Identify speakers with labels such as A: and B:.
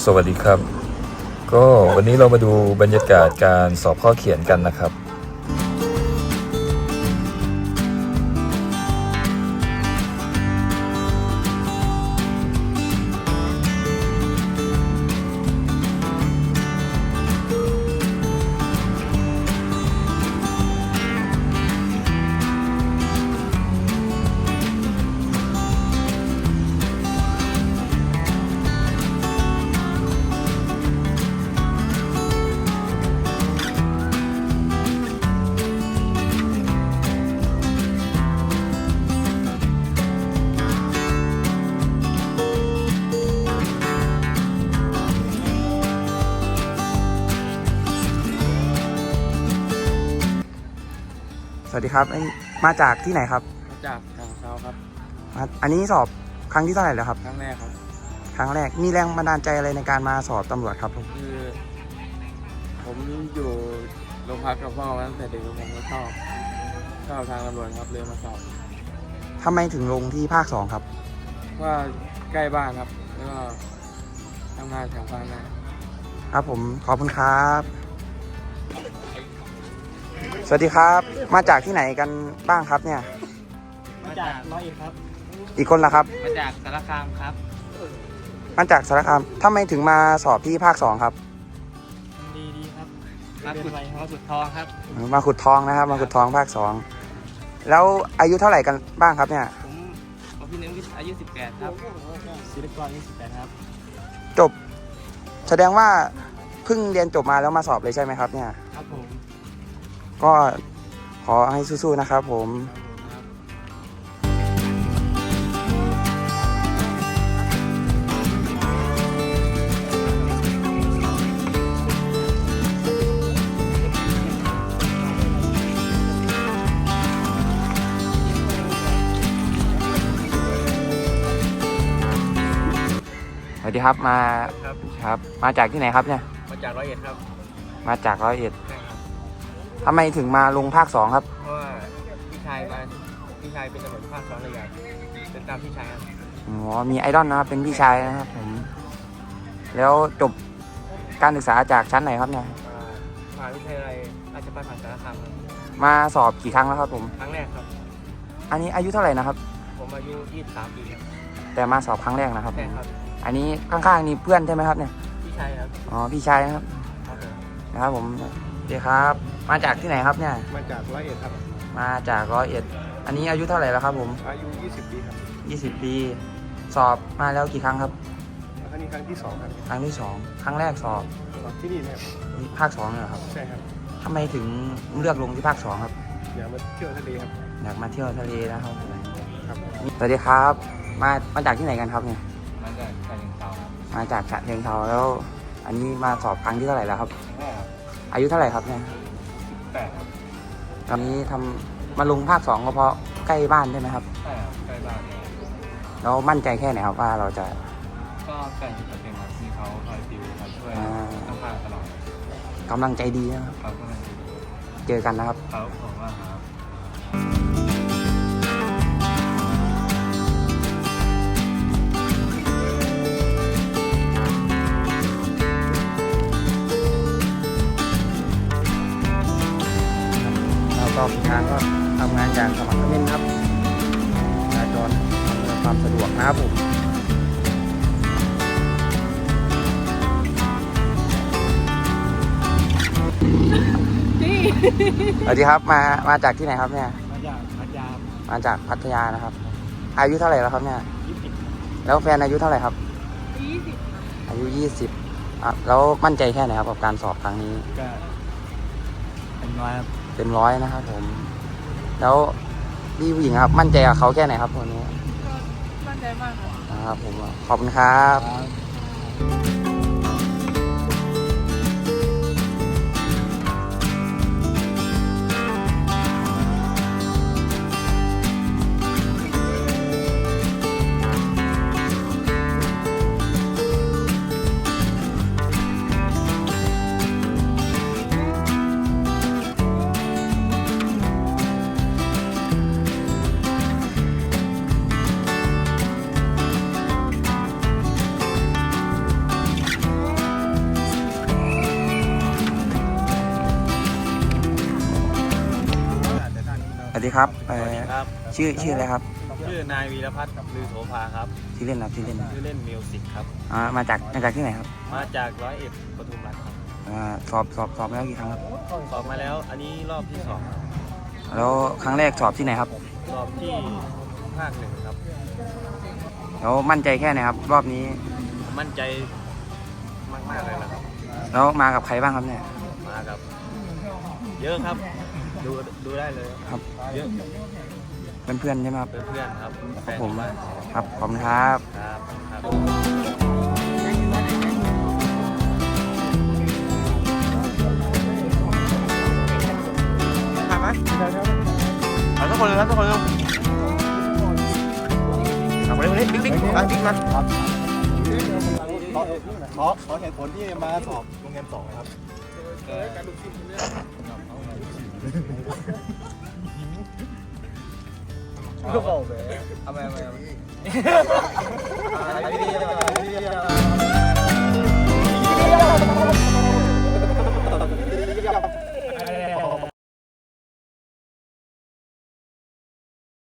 A: สวัสดีครับก็วันนี้เรามาดูบรรยากาศการสอบข้อเขียนกันนะครับ
B: สวัสดีครับมาจากที่ไหนครับ
C: มาจากทางเช้าครับ
B: อันนี้สอบครั้งที่เท่าไหร่แล้วครับ
C: ครั้งแรกครับ
B: ครั้งแรกมีแรงบันดาลใจอะไรในการมาสอบตำรวจครับ
C: คือผมอยู่โรงพักกับพ่อมาตั้งแต่เด็กผมก็ชอบทางตำรวจครับเลยมาสอบ
B: ทำไมถึงลงที่ภาค2ครับ
C: ว่าใกล้บ้านครับแล้วก็ทำงานแถวบ้าน
B: ครับผมขอบคุณครับสวัสดีครับมาจากที่ไหนกันบ้างครับเนี่ย
C: มาจากร้อยเอ็ดครับ
B: อีกคนล่ะครับ
C: มาจากสารคามครับ
B: มาจากสารคามทำไมถึงมาสอบที่ภาค2ครับ
C: ดีครับมาขุดทองครับ
B: มาขุดทองนะครับมาขุดทองภาค2แล้วอายุเท่าไหร่กันบ้างครับเนี่ย
C: ผมพี่นึงอายุ18ครับศิลปกรอายุ18ครับ
B: จบแสดงว่าเพิ่งเรียนจบมาแล้วมาสอบเลยใช่ไหมครับเนี่ย
C: ครับผม
B: ก็ขอให้สู้ๆนะครับผมสวัสดีครับครับมาจากที่ไหนครับเนี่ย
C: มาจากร้อยเอ็ดครับ
B: มาจากร้อยเอ็ดทำไมถึงมาลงภาค2ครับ
C: เพราะว่าพี่ชายเป็นตำรวจภาค2เลยอยากเป็นตามพี่ชายครับ
B: อ๋อมีไอดอลนะครับเป็นพี่ชายนะครับผมแล้วจบการศึกษาจากชั้นไหนครับเนี่ย
C: มหาวิทยาลัยราชภัฏสารคาม
B: มาสอบกี่ครั้งแล้วครับผม
C: ครั้งแรกครับ
B: อันนี้อายุเท่าไหร่นะครับ
C: ผมอายุ23 ปีครับ
B: แต่มาสอบครั้งแรกนะครับ
C: ใช่ครับ
B: อันนี้ข้างๆนี่เพื่อนใช่ไหมครับเนี่ย
C: พี่ชายครับ
B: อ๋อพี่ชายนะครับนะครับผมเดี๋ยวครับมาจากที่ไหนครับเนี่ย
C: มาจากร้อยเอ็ดครับ
B: มาจากร้อยเอ็ดอันนี้อายุเท่าไหร่แล้วครับผม
C: อายุ20 ปีครับ
B: 20 ปีสอบมาแล้วกี่ครั้งครับ
C: ครั้งนี้ครั้งที่2ครับ
B: ครั้งที่2ครั้งแรกสอบ
C: ที่นี่ครับ
B: ภาค2เนี่ยครับ
C: ใช่ครับ
B: ทำไมถึงเลือกลงที่ภาค2ครับ
C: อยากมาเที่ยวทะเลครับ
B: อยากมาเที่ยวทะเลนะครับสวัสดีครับมาจากที่ไหนกันครับเนี่ย
C: มาจากฉะเชิงเทราครับ
B: มาจากฉะเชิงเทราแล้วอันนี้มาสอบครั้งที่เท่าไหร่แล้วครับอายุเท่าไหร่ครับเนี่ย
C: 18ครับ
B: ตอนนี้มาลงภาค2ก็เพราะใกล้บ้านใช่ไหมครับ
C: ใช่ครับใกล้บ้าน
B: แล้วมั่นใจแค่ไหนครับว่าเราจะ
C: ก็ใกล้จะเป็นครับที่เขาคอยติวคอยช่วยต้องพาตลอด
B: กำลังใจดีนะครับเจอกันนะครับ
C: ครับผมว่าครับ
B: ก็งานก็ทำงานอย่างสมัครเล่นครับจราจรอำนวยความสะดวกนะครับผมสวัสดีครับมาจากที่ไหนครับเนี่ยมาจากพัทยานะครับอายุเท่าไหร่แล้วครับเนี่ย20แล้วแฟนอายุเท่าไหร่ครับ20อายุ20แล้วมั่นใจแค่ไหนครับกับการสอบครั้งนี้
C: ก็เป็นร้อยครับ
B: เต็ม100นะครับผมแล้วพี่ผู้หญิงครับมั่นใจกับเขาแค่ไหนครับวันนี้
D: มั่นใจมาก
B: ครับผมขอบคุณครับครับ
C: ครับ
B: ชื่ออะไรครับ
C: ชื่อนายวีรพัฒน์ลือโสภาครับ
B: ชื่อเล่นครับชื่อเล่น
C: ชื่อเล่นมิวสิกครับ
B: มาจากที่ไหนครับ
C: มาจาก101ปทุมรัฐครับ
B: สอบมาแล้วกี่ครั้งครับ
C: สอบมาแล้วอันนี้รอบที่สองครับ
B: แล้วครั้งแรกสอบที่ไหนครับ
C: สอบที่ภาค 1ครับ
B: แล้วมั่นใจแค่ไหนครับ รอบนี้
C: มั่นใจมากๆเลยนะครับ
B: แล้วมากับใครบ้างครับเนี่ย
C: มากับ เยอะครับ ดูได้เลย
B: ครับ
C: เยอะ
B: เพื่อนๆใช่ไหมครับ
C: เพื่อนๆครับแฟน
B: ผม
C: บ้าน
B: ครับขอบคุณครับ
C: ครับครับ
B: ถ่ายไหมเอาทุกคนเลยครับทุกคนเลยเอาคนนี้บิ๊กมา
E: ขอเหตุผลที่มาสอบโรงเรียน2นะครับ ก็บอกเลยเอาไป